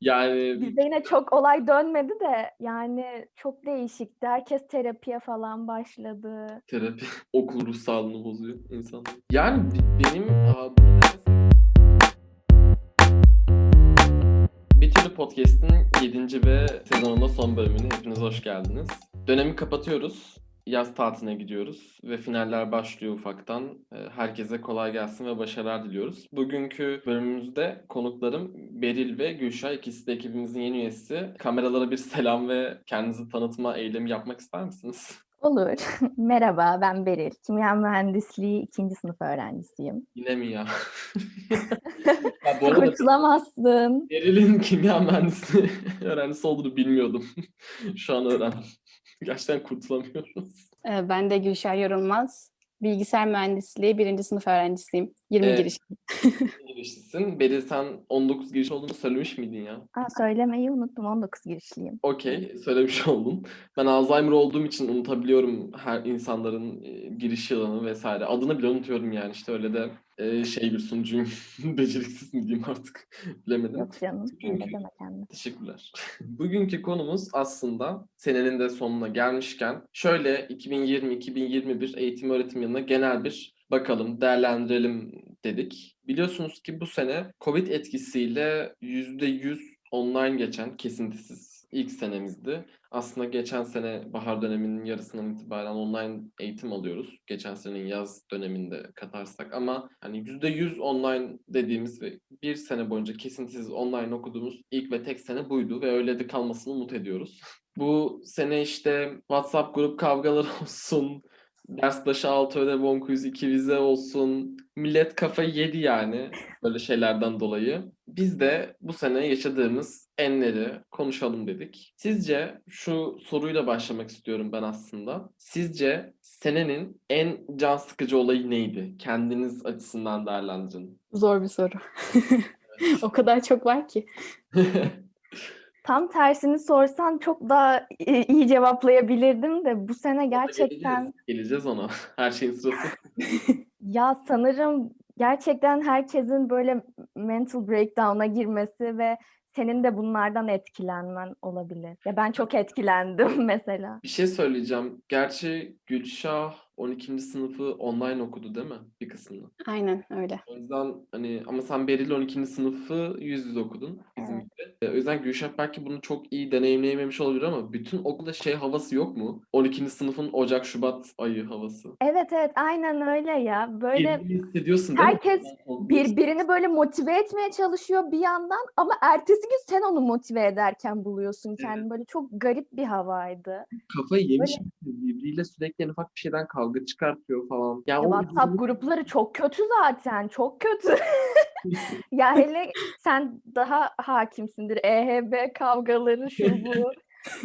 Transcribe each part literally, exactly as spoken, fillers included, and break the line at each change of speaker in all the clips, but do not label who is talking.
Yani
Bizde yine çok olay dönmedi de yani çok değişikti. Herkes terapiye falan başladı.
terapi okul ruh sağlığını bozuyor insanların. Yani b- benim aa, bunu demesem- Bir Türlü Podcast'in yedinci ve sezonunda son bölümüne hepiniz hoş geldiniz. Dönemi kapatıyoruz. Yaz tatiline gidiyoruz ve finaller başlıyor ufaktan. Ee, Herkese kolay gelsin ve başarılar diliyoruz. Bugünkü bölümümüzde konuklarım Beril ve Gülşah. İkisi de ekibimizin yeni üyesi. Kameralara bir selam ve kendinizi tanıtma eylemi yapmak ister misiniz?
Olur. Merhaba, ben Beril. Kimya mühendisliği ikinci sınıf öğrencisiyim.
Yine mi ya? Ya bu arada
Kurtulamazsın.
Beril'in kimya mühendisliği öğrencisi olduğunu bilmiyordum. Şu an öğrendim. Gerçekten kurtulamıyoruz.
Ee, Ben de Gülşah Yorulmaz. Bilgisayar mühendisliği birinci sınıf öğrencisiyim. yirmi
Ee,
giriş.
girişlisin. Beril sen on dokuz giriş olduğunu söylemiş miydin ya?
Aa, söylemeyi unuttum. on dokuz girişliyim.
Okey, söylemiş oldum. Ben Alzheimer olduğum için unutabiliyorum her insanların e, giriş yılını vesaire. Adını bile unutuyorum yani işte öyle de e, şey bir sunucuyum. Beceriksiz mi diyeyim artık bilemedim.
Yok canım,
Bugünkü
öyle deme kendine.
Teşekkürler. Bugünkü konumuz aslında senenin de sonuna gelmişken şöyle iki bin yirmi-iki bin yirmi bir eğitim öğretim yılına genel bir bakalım, değerlendirelim dedik. Biliyorsunuz ki bu sene Covid etkisiyle yüzde yüz online geçen kesintisiz ilk senemizdi. Aslında geçen sene bahar döneminin yarısından itibaren online eğitim alıyoruz. Geçen senenin yaz döneminde katarsak ama hani yüzde yüz online dediğimiz ve bir sene boyunca kesintisiz online okuduğumuz ilk ve tek sene buydu ve öyle de kalmasını umut ediyoruz. Bu sene işte WhatsApp grup kavgaları olsun, ders başı altı ödev on quiz iki vize olsun. Millet kafayı yedi yani böyle şeylerden dolayı. Biz de bu sene yaşadığımız enleri konuşalım dedik. Sizce şu soruyla başlamak istiyorum ben aslında. Sizce senenin en can sıkıcı olayı neydi? Kendiniz açısından değerlendirin.
Zor bir soru. O kadar çok var ki.
Tam tersini sorsan çok daha i- iyi cevaplayabilirdim de bu sene
Geleceğiz.
gerçekten
Geleceğiz ona. Her şeyin sırası.
ya sanırım gerçekten herkesin böyle mental breakdown'a girmesi ve senin de bunlardan etkilenmen olabilir. Ya ben çok etkilendim mesela.
Bir şey söyleyeceğim. Gerçi Gülşah on ikinci sınıfı online okudu değil mi? Bir kısmını.
Aynen öyle.
O yüzden hani ama sen Beril on ikinci sınıfı yüz yüze okudun bizim
Evet.
gibi. E, O yüzden Gülşah belki bunu çok iyi deneyimleyememiş olabilir ama bütün okulda şey havası yok mu? on ikinci sınıfın Ocak Şubat ayı havası.
Evet evet aynen öyle ya. Böyle
Birbirini hissediyorsun değil mi?
herkes birbirini böyle motive etmeye çalışıyor bir yandan ama ertesi gün sen onu motive ederken buluyorsun kendini. Böyle çok garip bir havaydı.
Kafayı yemiş
Böyle
birbiriyle sürekli en ufak bir şeyden kavga çıkartıyor falan. Yani
ya
o
WhatsApp grupları çok kötü zaten. Çok kötü. Ya hele sen daha hakimsindir. E H B kavgaları şu bu.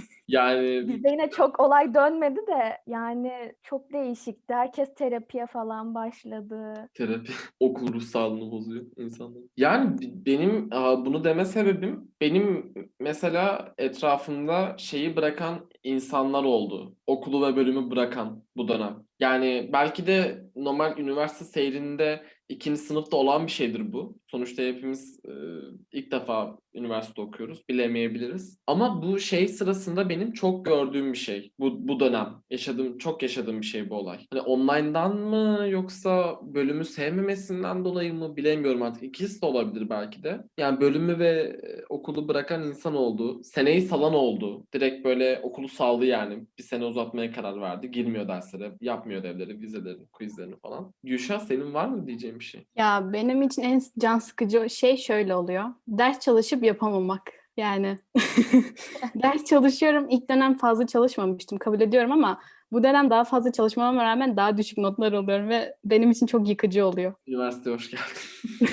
yani
Bizde yine çok olay dönmedi de yani çok değişikti. Herkes terapiye falan başladı.
terapi okul ruh sağlığını bozuyor insanların. Yani b- benim aa, bunu deme sebebim benim mesela etrafımda şeyi bırakan insanlar oldu. Okulu ve bölümü bırakan bu dönem. Yani belki de normal üniversite seyrinde ikinci sınıfta olan bir şeydir bu. Sonuçta hepimiz e, ilk defa üniversite okuyoruz. Bilemeyebiliriz. Ama bu şey sırasında benim çok gördüğüm bir şey. Bu, bu dönem. Yaşadığım, çok yaşadığım bir şey bu olay. Hani online'dan mı yoksa bölümü sevmemesinden dolayı mı bilemiyorum artık. İkisi de olabilir belki de. Yani bölümü ve e, okulu bırakan insan oldu. Seneyi salan oldu. Direkt böyle okulu saldı yani. Bir sene uzatmaya karar verdi. Girmiyor derslere, yapmıyor ödevleri, vizelerini, quizlerini falan. Gülşah senin var mı diyeceğim bir şey?
Ya benim için en can sıkıcı şey şöyle oluyor. Ders çalışıp yapamamak. Yani ders çalışıyorum. İlk dönem fazla çalışmamıştım. Kabul ediyorum ama bu dönem daha fazla çalışmama rağmen daha düşük notlar alıyorum ve benim için çok yıkıcı oluyor.
Üniversiteye hoş geldin.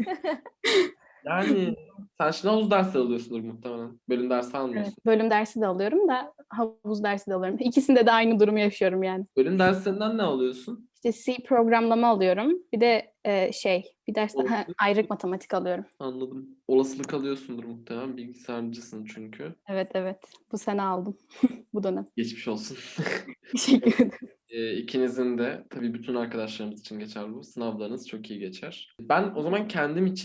Yani sen şimdi havuz dersi alıyorsundur muhtemelen. Bölüm dersi
Evet,
almıyorsun.
bölüm dersi de alıyorum da havuz dersi de alıyorum. İkisinde de aynı durumu yaşıyorum yani.
Bölüm derslerinden ne alıyorsun?
İşte C programlama alıyorum. Bir de e, şey, bir ders daha
Olasılık.
ayrık matematik alıyorum.
Anladım. Olasılık alıyorsundur muhtemelen. Bilgisayarcısın çünkü.
Evet evet. Bu sene aldım. Bu dönem.
Geçmiş olsun.
Teşekkür ederim.
E, ikinizin de tabii bütün arkadaşlarımız için geçer bu. Sınavlarınız çok iyi geçer. Ben o zaman kendim için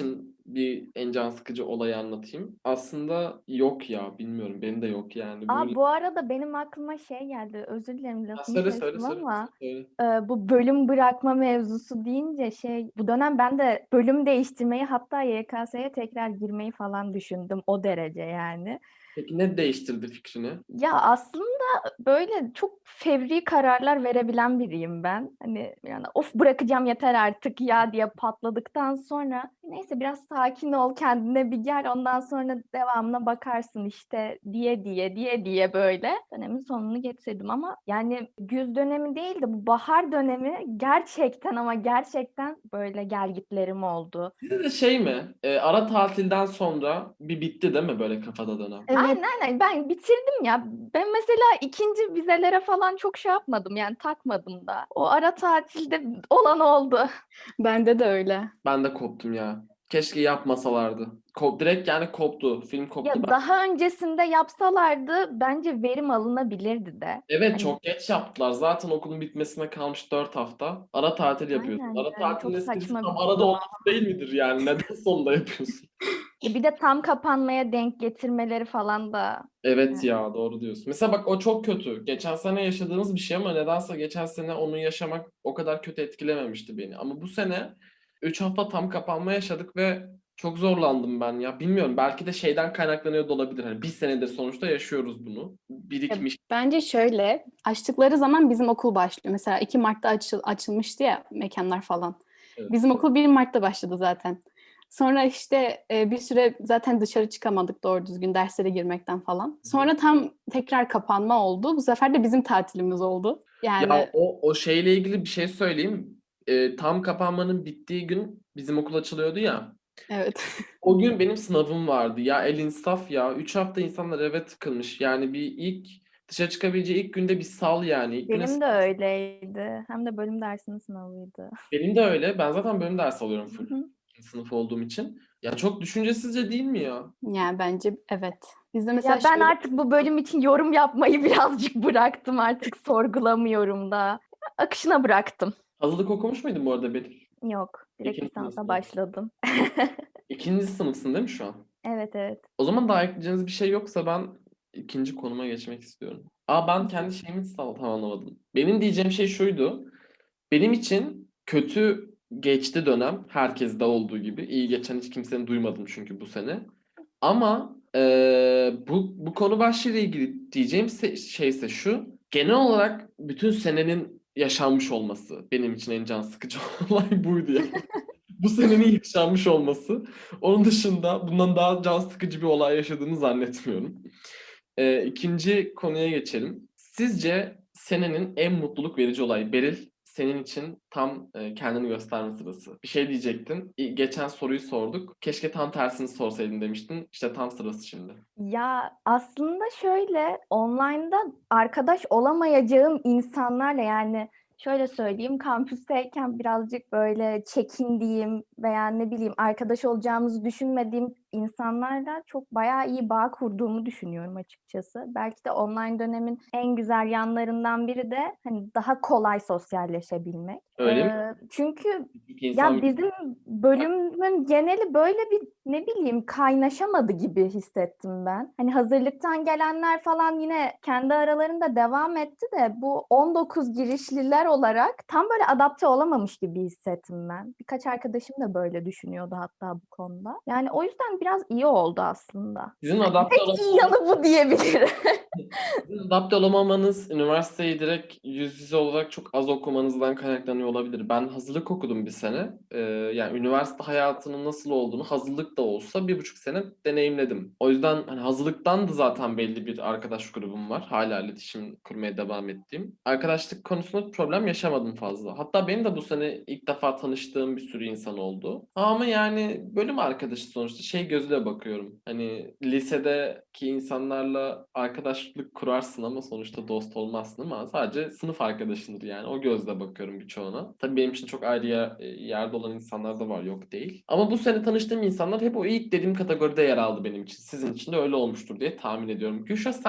bir en can sıkıcı olayı anlatayım. Aslında yok ya, bilmiyorum. Benim de yok yani.
Aa,
Böyle...
bu arada benim aklıma şey geldi. Özür dilerim
Ha,
lafını
söyle söyle
kestim
söyle.
ama
söyle.
e, bu bölüm bırakma mevzusu deyince şey bu dönem ben de bölüm değiştirmeyi hatta Y K S'ye tekrar girmeyi falan düşündüm o derece yani.
Peki ne değiştirdi fikrini?
Ya aslında böyle çok fevri kararlar verebilen biriyim ben. Hani yani of bırakacağım yeter artık ya diye patladıktan sonra neyse biraz sakin ol kendine bir gel ondan sonra devamına bakarsın işte diye diye diye diye böyle dönemin sonunu getirdim ama yani güz dönemi değil de bu bahar dönemi gerçekten ama gerçekten böyle gelgitlerim oldu.
Sizde de şey mi? E, ara tatilden sonra bir bitti değil mi böyle kafada dönem?
Evet.
Aynen aynen ben bitirdim ya. Ben mesela ikinci vizelere falan çok şey yapmadım yani takmadım da. O ara tatilde olan oldu.
Bende de öyle.
Ben de koptum ya. Keşke yapmasalardı. Kop, direkt yani koptu. Film koptu.
Ya
Ben...
daha öncesinde yapsalardı bence verim alınabilirdi de.
Evet,
Hani
çok geç yaptılar. Zaten okulun bitmesine kalmış dört hafta. Ara tatil yapıyorsun.
aynen
Ara
yani
tatilin
çok
esprisi
saçma
tam
bir
arada
konu.
olması değil midir yani? Neden sonunda yapıyorsun?
Ya bir de tam kapanmaya denk getirmeleri falan da
Evet
yani.
ya, doğru diyorsun. Mesela bak, o çok kötü. Geçen sene yaşadığımız bir şey ama nedense geçen sene onu yaşamak o kadar kötü etkilememişti beni. Ama bu sene üç hafta tam kapanma yaşadık ve çok zorlandım ben ya. Bilmiyorum, belki de şeyden kaynaklanıyor da olabilir. Hani bir senedir sonuçta yaşıyoruz bunu.
Ya,
Birikmiş.
bence şöyle, açtıkları zaman bizim okul başlıyor. Mesela iki Mart'ta açıl, açılmıştı ya mekanlar falan.
Evet.
Bizim okul bir Mart'ta başladı zaten. Sonra işte e, bir süre zaten dışarı çıkamadık doğru düzgün derslere girmekten falan. Sonra tam tekrar kapanma oldu. Bu sefer de bizim tatilimiz oldu.
Ya
Yani
o, o şeyle ilgili bir şey söyleyeyim. Ee, tam kapanmanın bittiği gün bizim okul açılıyordu ya.
evet.
O gün benim sınavım vardı. Ya el insaf ya. Üç hafta insanlar eve tıkılmış. Yani bir ilk dışarı çıkabileceği ilk günde bir sal yani. İlk güne
Benim de öyleydi. Hem de bölüm dersinin sınavıydı.
benim de öyle. Ben zaten bölüm dersi alıyorum
Hı
full.
hı.
İkinci sınıf olduğum için. Ya çok düşüncesizce değil mi ya?
Yani bence evet. Bizde mesela
Ya ben
şöyle
artık bu bölüm için yorum yapmayı birazcık bıraktım. Artık sorgulamıyorum da. Akışına bıraktım.
Hazırlık okumuş muydun bu arada Betül?
Yok, direkt
İkinci
lisansa
sınıfsın.
başladım.
İkinci sınıfsın değil mi şu an?
Evet evet.
O zaman daha ekleyeceğiniz bir şey yoksa ben ikinci konuma geçmek istiyorum. Aa, ben kendi şeyimi tam tamamlamadım. Benim diyeceğim şey şuydu. Benim için kötü geçti dönem. Herkeste olduğu gibi. İyi geçen hiç kimsenin duymadım çünkü bu sene. Ama eee, bu, bu konu başlığıyla ilgili diyeceğim se- şey ise şu. Genel olarak bütün senenin yaşanmış olması benim için en can sıkıcı olay buydu yani. Bu senenin yaşanmış olması. Onun dışında bundan daha can sıkıcı bir olay yaşadığını zannetmiyorum. Ee, ikinci konuya geçelim. Sizce senenin en mutluluk verici olayı? Beril, senin için tam e, kendini gösterme sırası. Bir şey diyecektin. İ- Geçen soruyu sorduk. Keşke tam tersini sorsaydın demiştin. İşte tam sırası şimdi.
Ya aslında şöyle online'da arkadaş olamayacağım insanlarla yani şöyle söyleyeyim kampüsteyken birazcık böyle çekindiğim veya ne bileyim arkadaş olacağımızı düşünmediğim insanlarla çok bayağı iyi bağ kurduğumu düşünüyorum açıkçası. Belki de online dönemin en güzel yanlarından biri de hani daha kolay sosyalleşebilmek.
Öyle mi?
Ee, çünkü
Çünkü insan
ya bizim bölümün geneli böyle bir ne bileyim kaynaşamadı gibi hissettim ben. Hani hazırlıktan gelenler falan yine kendi aralarında devam etti de bu on dokuz girişliler olarak tam böyle adapte olamamış gibi hissettim ben. Birkaç arkadaşım da böyle düşünüyordu hatta bu konuda. Yani o yüzden biraz iyi oldu aslında.
sizin adapte
Tek iyi yanı bu diyebilirim.
Sizin adapte olamamanız üniversiteyi direkt yüz yüze olarak çok az okumanızdan kaynaklanıyor olabilir. Ben hazırlık okudum bir sene. Ee, yani üniversite hayatının nasıl olduğunu hazırlık da olsa bir buçuk sene deneyimledim. O yüzden hani hazırlıktan da zaten belli bir arkadaş grubum var. Hala iletişim kurmaya devam ettiğim. Arkadaşlık konusunda problem yaşamadım fazla. Hatta benim de bu sene ilk defa tanıştığım bir sürü insan oldu. Ama yani bölüm arkadaşı sonuçta şey gözüyle bakıyorum. Hani lisedeki insanlarla arkadaşlık kurarsın ama sonuçta dost olmazsın ama sadece sınıf arkadaşındır yani. O gözle bakıyorum birçoğuna. Tabii benim için çok ayrı yer- yerde olan insanlar da var, yok değil. Ama bu sene tanıştığım insanlar hep o ilk dediğim kategoride yer aldı benim için. Sizin için de öyle olmuştur diye tahmin ediyorum. Gülşah, sen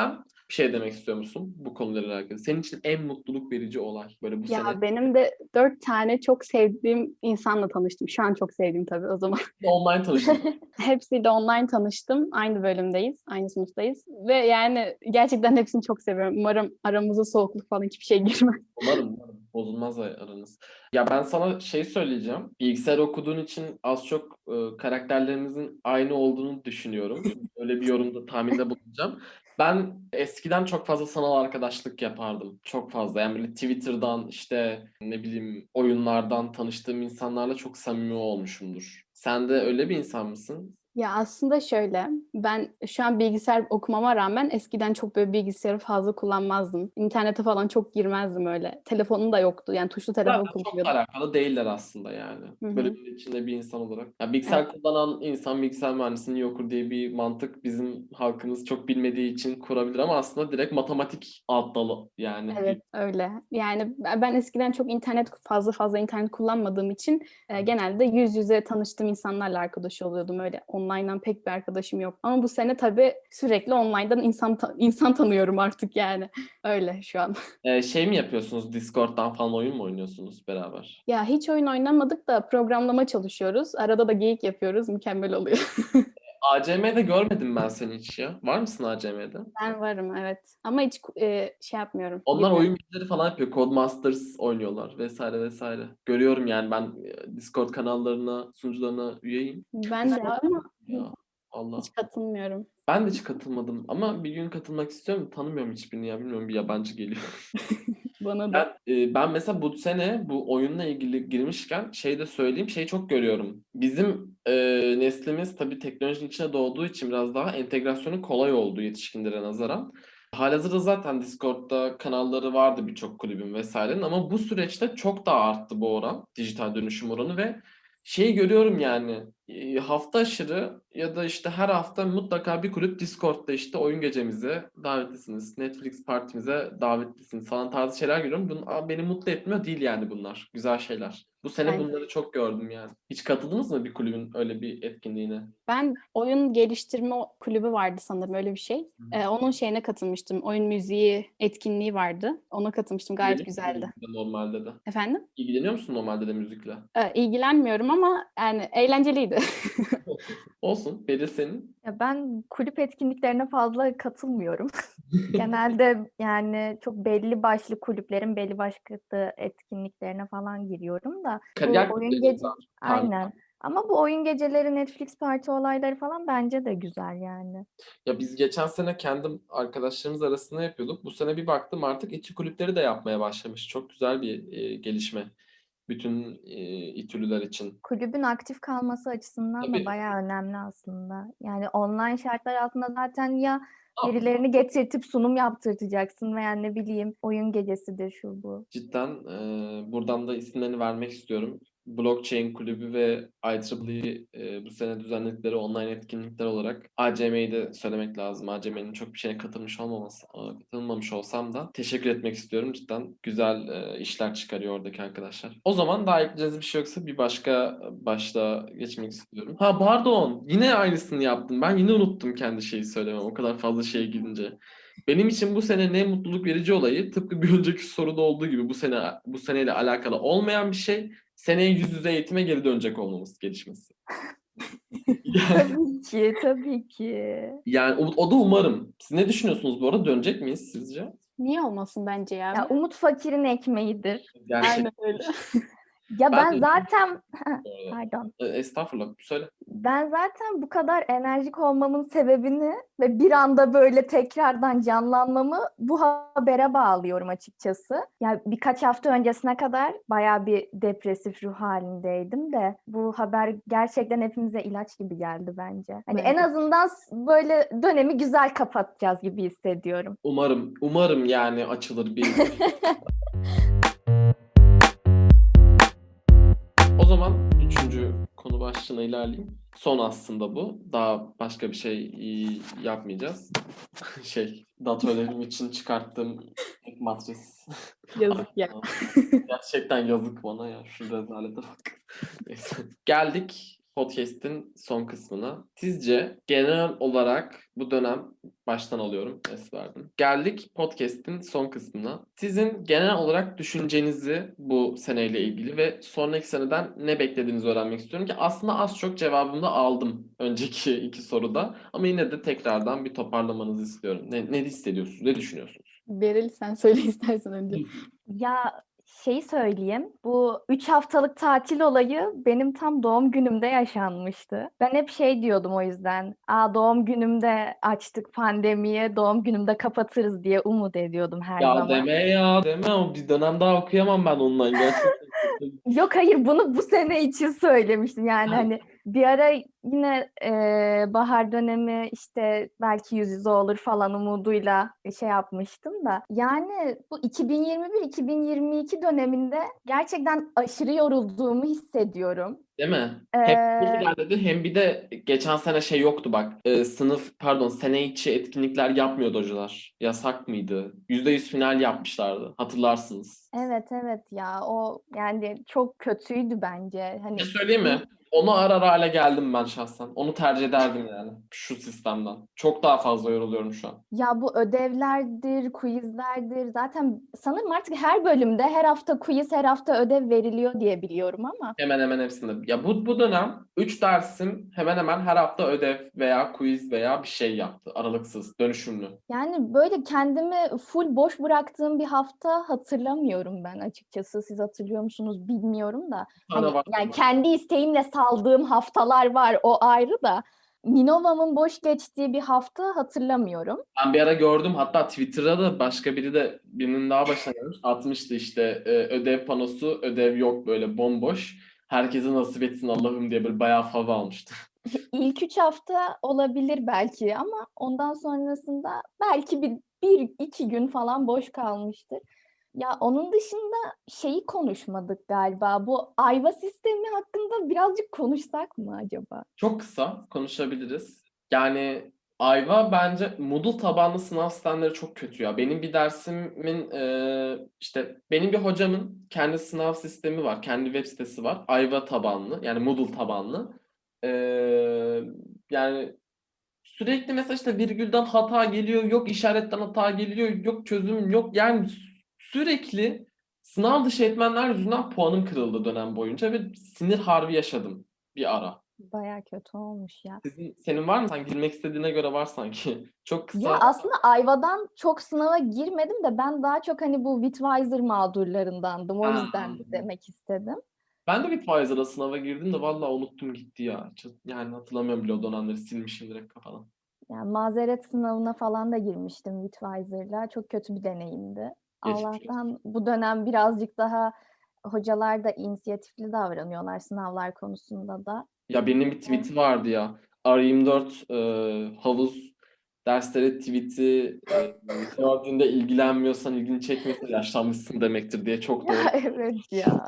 Bir şey demek istiyor musun bu konuyla alakalı? Senin için en mutluluk verici olay böyle bu
Ya
sene
benim de dört tane çok sevdiğim insanla tanıştım. Şu an çok sevdiğim tabii o zaman.
online tanıştın.
Hepsiyle online tanıştım. Aynı bölümdeyiz, aynı sınıftayız. Ve yani gerçekten hepsini çok seviyorum. Umarım aramıza soğukluk falan hiçbir şey girmez.
Umarım, umarım. Bozulmaz aranız. Ya ben sana şey söyleyeceğim. Bilgisayar okuduğun için az çok e, karakterlerinizin aynı olduğunu düşünüyorum. Öyle bir yorumda, tahminde bulunacağım. Ben eskiden çok fazla sanal arkadaşlık yapardım. Çok fazla. Yani böyle Twitter'dan işte ne bileyim oyunlardan tanıştığım insanlarla çok samimi olmuşumdur. Sen de öyle bir insan mısın?
Ya aslında şöyle, ben şu an bilgisayar okumama rağmen eskiden çok böyle bilgisayarı fazla kullanmazdım. İnternete falan çok girmezdim öyle. Telefonum da yoktu. Yani tuşlu telefon
Zaten çok da
kullanıyordum.
alakalı değiller aslında yani.
Hı hı.
Bölümün içinde bir insan olarak. Ya
Evet.
bilgisayar kullanan insan bilgisayar mühendisliğini iyi okur diye bir mantık bizim halkımız çok bilmediği için kurabilir ama aslında direkt matematik alt dalı yani.
Evet, öyle. Yani ben ben eskiden çok internet fazla fazla internet kullanmadığım için e, genelde yüz yüze tanıştığım insanlarla arkadaş oluyordum. Öyle online'dan pek bir arkadaşım yok. Ama bu sene tabii sürekli online'dan insan ta- insan tanıyorum artık yani. Öyle şu an.
Ee, şey mi yapıyorsunuz? Discord'dan falan oyun mu oynuyorsunuz beraber?
Ya hiç oyun oynamadık da programlama çalışıyoruz. Arada da geyik yapıyoruz. Mükemmel oluyor.
A C M'de görmedim ben seni hiç ya. Var mısın A C M'de?
Ben varım, evet. Ama hiç e, şey yapmıyorum.
Onlar
Girmiyorum.
oyun bilgileri falan yapıyor. Codemasters oynuyorlar vesaire vesaire. Görüyorum yani ben e, Discord kanallarına, sunucularına üyeyim.
Ben de ama
Ya Allah.
hiç katılmıyorum.
Ben de hiç katılmadım ama bir gün katılmak istiyorum. Tanımıyorum hiçbirini ya. Bilmiyorum bir yabancı geliyor.
Bana da.
Ben, e, ben mesela bu sene bu oyunla ilgili girmişken şey de söyleyeyim. Şeyi çok görüyorum. Bizim e, neslimiz tabii teknolojinin içine doğduğu için biraz daha entegrasyonu kolay oldu yetişkinlere nazaran. Halihazırda zaten Discord'da kanalları vardı birçok kulübün vesairenin ama bu süreçte çok daha arttı bu oran. Dijital dönüşüm oranı ve şeyi görüyorum yani e, hafta aşırı ya da işte her hafta mutlaka bir kulüp Discord'da işte oyun gecemize davetlisiniz, Netflix partimize davetlisiniz falan tarzı şeyler görüyorum. Bunun, Aa, beni mutlu etmiyor değil yani bunlar. Güzel şeyler. Bu sene
Ben
bunları çok gördüm yani. Hiç katıldınız mı bir kulübün öyle bir etkinliğine?
Ben oyun geliştirme kulübü vardı sanırım, öyle bir şey. Ee, onun şeyine katılmıştım. Oyun müziği etkinliği vardı. Ona katılmıştım. Gayet
İlgileniyor musun
güzeldi.
müzikle normalde de?
Efendim?
İlgileniyor musun normalde de müzikle?
Ee, ilgilenmiyorum ama yani eğlenceliydi.
Olsun. Beri senin.
Ya ben kulüp etkinliklerine fazla katılmıyorum. Genelde yani çok belli başlı kulüplerin belli başlı etkinliklerine falan giriyorum da bu
Kariyer
oyun
kulüpleri
gece
tarzı.
aynen. Ama bu oyun geceleri, Netflix parti olayları falan bence de güzel yani.
Ya biz geçen sene kendim arkadaşlarımız arasında yapıyorduk. Bu sene bir baktım artık İTÜ kulüpleri de yapmaya başlamış. Çok güzel bir e, gelişme. Bütün e, İTÜ'lüler için.
Kulübün aktif kalması açısından da
Tabii.
bayağı önemli aslında. Yani online şartlar altında zaten ya
Ne yapayım?
birilerini getirtip sunum yaptırtacaksın veya ne bileyim oyun gecesidir şu bu.
Cidden e, buradan da isimlerini vermek istiyorum. Blockchain Kulübü ve I E E E e, bu sene düzenledikleri online etkinlikler olarak A C M'yi de söylemek lazım. A C M'nin çok bir şeye katılmış olmaması, katılmamış olsam da teşekkür etmek istiyorum. Cidden güzel e, işler çıkarıyor oradaki arkadaşlar. O zaman daha ekleyeceğiniz bir şey yoksa bir başka başlığa geçmek istiyorum. Ha pardon, yine aynısını yaptım. Ben yine unuttum kendi şeyi söylemem. O kadar fazla şeye gidince. Benim için bu sene ne mutluluk verici olayı tıpkı bir önceki soruda olduğu gibi bu sene bu seneyle alakalı olmayan bir şey seneye yüz yüze eğitime geri dönecek olmamız gelişmesi. Yani,
Tabii ki, tabii ki.
yani o, o da umarım. Siz ne düşünüyorsunuz bu arada? Dönecek miyiz sizce?
Niye olmasın bence ya?
Ya umut fakirin ekmeğidir.
Gerçek.
Aynen öyle.
Ya
Ben
ben
de
zaten
bu arada.
pardon.
E, Estağfurullah. Söyle.
Ben zaten bu kadar enerjik olmamın sebebini ve bir anda böyle tekrardan canlanmamı bu habere bağlıyorum açıkçası. Yani birkaç hafta öncesine kadar bayağı bir depresif ruh halindeydim de bu haber gerçekten hepimize ilaç gibi geldi bence. Hani en
Bence.
azından böyle dönemi güzel kapatacağız gibi hissediyorum.
Umarım, umarım yani açılır bir. O zaman üçüncü konu başlığına ilerleyeyim. Son aslında bu. Daha başka bir şey e, yapmayacağız. Şey, datörlerim için çıkarttığım tek matris.
Yazık ya.
Gerçekten yazık bana ya. Şu rezalete bak. Neyse. Geldik podcast'in son kısmına. Sizce genel olarak bu dönem baştan alıyorum. Es verdim. Geldik podcast'in son kısmına. Sizin genel olarak düşüncenizi bu seneyle ilgili ve sonraki seneden ne beklediğinizi öğrenmek istiyorum ki aslında az çok cevabını da aldım önceki iki soruda. Ama yine de tekrardan bir toparlamanızı istiyorum. Ne, ne hissediyorsunuz? Ne düşünüyorsunuz?
Beril sen söyle istersen önce.
Ya şeyi söyleyeyim, bu üç haftalık tatil olayı benim tam doğum günümde yaşanmıştı. Ben hep şey diyordum o yüzden, Aa, doğum günümde açtık pandemiyi, doğum günümde kapatırız diye umut ediyordum her
Ya
zaman.
deme ya deme, o bir dönem daha okuyamam ben ondan gerçekten.
Yok hayır, bunu bu sene için söylemiştim yani hani bir ara yine e, bahar dönemi işte belki yüz yüze olur falan umuduyla şey yapmıştım da yani bu iki bin yirmi bir iki bin yirmi iki döneminde gerçekten aşırı yorulduğumu hissediyorum.
Değil mi?
Ee,
Hem iyi ilerledi hem bir de geçen sene şey yoktu bak. Ee, sınıf pardon sene içi etkinlikler yapmıyordu hocalar. Yasak mıydı? yüzde yüz final yapmışlardı. Hatırlarsınız.
evet evet ya o yani çok kötüydü bence. Hani
Ne söyleyeyim mi? Onu arar hale geldim ben şahsen. Onu tercih ederdim yani şu sistemden. Çok daha fazla yoruluyorum şu an.
ya bu ödevlerdir, quizlerdir. Zaten sanırım artık her bölümde her hafta quiz, her hafta ödev veriliyor diye biliyorum ama.
Hemen hemen hepsinde. Ya bu bu dönem üç dersim hemen hemen her hafta ödev veya quiz veya bir şey yaptı. Aralıksız, dönüşümlü.
Yani böyle kendimi full boş bıraktığım bir hafta hatırlamıyorum ben açıkçası. Siz hatırlıyor musunuz bilmiyorum da.
Bir tane
Hani
var.
yani kendi isteğimle saldığım haftalar var, o ayrı da. Minova'mın boş geçtiği bir hafta hatırlamıyorum.
Ben bir ara gördüm, hatta Twitter'da da başka biri de birinin daha başına gelmiş. Atmıştı işte e, ödev panosu, ödev yok, böyle bomboş. Herkese nasip etsin Allah'ım diye böyle bayağı fav almıştı.
İlk üç hafta olabilir belki ama ondan sonrasında belki bir, bir iki gün falan boş kalmıştır. Ya onun dışında şeyi konuşmadık galiba. Bu ayva sistemi hakkında birazcık konuşsak mı acaba?
Çok kısa konuşabiliriz. Yani Ayva bence Moodle tabanlı sınav sistemleri çok kötü ya. Benim bir dersimin e, işte benim bir hocamın kendi sınav sistemi var. Kendi web sitesi var. Ayva tabanlı, yani Moodle tabanlı. E, yani sürekli mesela işte virgülden hata geliyor, yok işaretten hata geliyor, yok çözüm yok. Yani sürekli sınav dışı etmenler yüzünden puanım kırıldı dönem boyunca ve sinir harbi yaşadım bir ara.
Baya kötü olmuş ya.
Sizin, senin var mı? Sen girmek istediğine göre var sanki. Çok kısa.
Ya aslında Ayva'dan çok sınava girmedim de ben daha çok hani bu Witwiser mağdurlarındandım. O
Ha.
yüzden demek istedim.
Ben de Bitwiser'a sınava girdim de vallahi unuttum gitti ya. Çok- Yani hatırlamıyorum bile, o dönemleri silmişim direkt kafadan.
Yani mazeret sınavına falan da girmiştim Witwiser'la. Çok kötü bir deneyimdi.
Geçmiş olsun.
Allah'tan bu dönem birazcık daha hocalar da inisiyatifli davranıyorlar sınavlar konusunda da.
Ya benim bir tweet'i vardı ya. R yirmi dört e, havuz dersleri tweet'i e, gördüğünde ilgilenmiyorsan, ilgini çekmiyorsa yaşlanmışsın demektir diye, çok doğru.
Ya evet ya.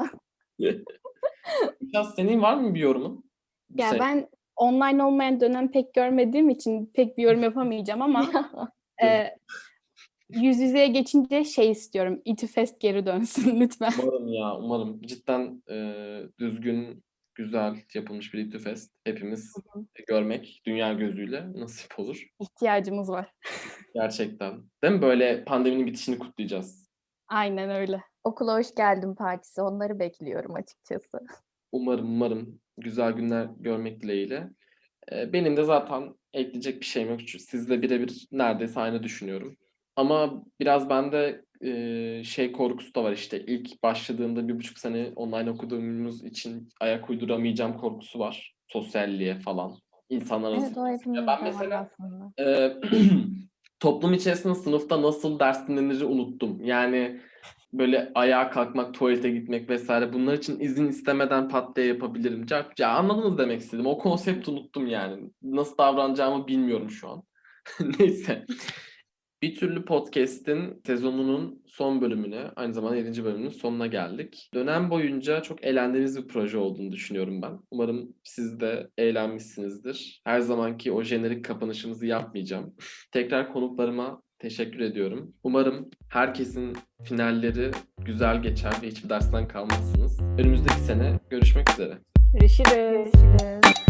Biraz senin var mı bir yorumun? Bu
Ya
sene?
ben online olmayan dönem pek görmediğim için pek bir yorum yapamayacağım ama e, yüz yüzeye geçince şey istiyorum. İTÜFEST geri dönsün lütfen.
Umarım ya, umarım. Cidden e, düzgün, güzel yapılmış bir İTÜFEST hepimiz görmek dünya gözüyle nasip olur.
İhtiyacımız var.
Gerçekten. Değil mi? Böyle pandeminin bitişini kutlayacağız.
Aynen öyle.
Okula hoş geldin partisi. Onları bekliyorum açıkçası.
Umarım, umarım güzel günler görmek dileğiyle. E, benim de zaten ekleyecek bir şeyim yok. Çünkü sizle birebir neredeyse aynı düşünüyorum. Ama biraz bende e, şey korkusu da var işte. İlk başladığımda bir buçuk sene online okuduğumuz için ayak uyduramayacağım korkusu var. Sosyalliğe falan. İnsanlar arası.
Evet o hepimizde
Ben
var
mesela
aslında.
e, toplum içerisinde sınıfta nasıl ders dinleniri unuttum. Yani böyle ayağa kalkmak, tuvalete gitmek vesaire, bunlar için izin istemeden pat diye yapabilirim. Ya, ya anladınız demek istedim. O konsepti unuttum yani. Nasıl davranacağımı bilmiyorum şu an. Neyse. Bir türlü podcast'in sezonunun son bölümüne, aynı zamanda yedinci bölümünün sonuna geldik. Dönem boyunca çok eğlendiğiniz bir proje olduğunu düşünüyorum ben. Umarım siz de eğlenmişsinizdir. Her zamanki o jenerik kapanışımızı yapmayacağım. Tekrar konuklarıma teşekkür ediyorum. Umarım herkesin finalleri güzel geçer ve hiçbir dersten kalmazsınız. Önümüzdeki sene görüşmek üzere.
Görüşürüz.
Görüşürüz.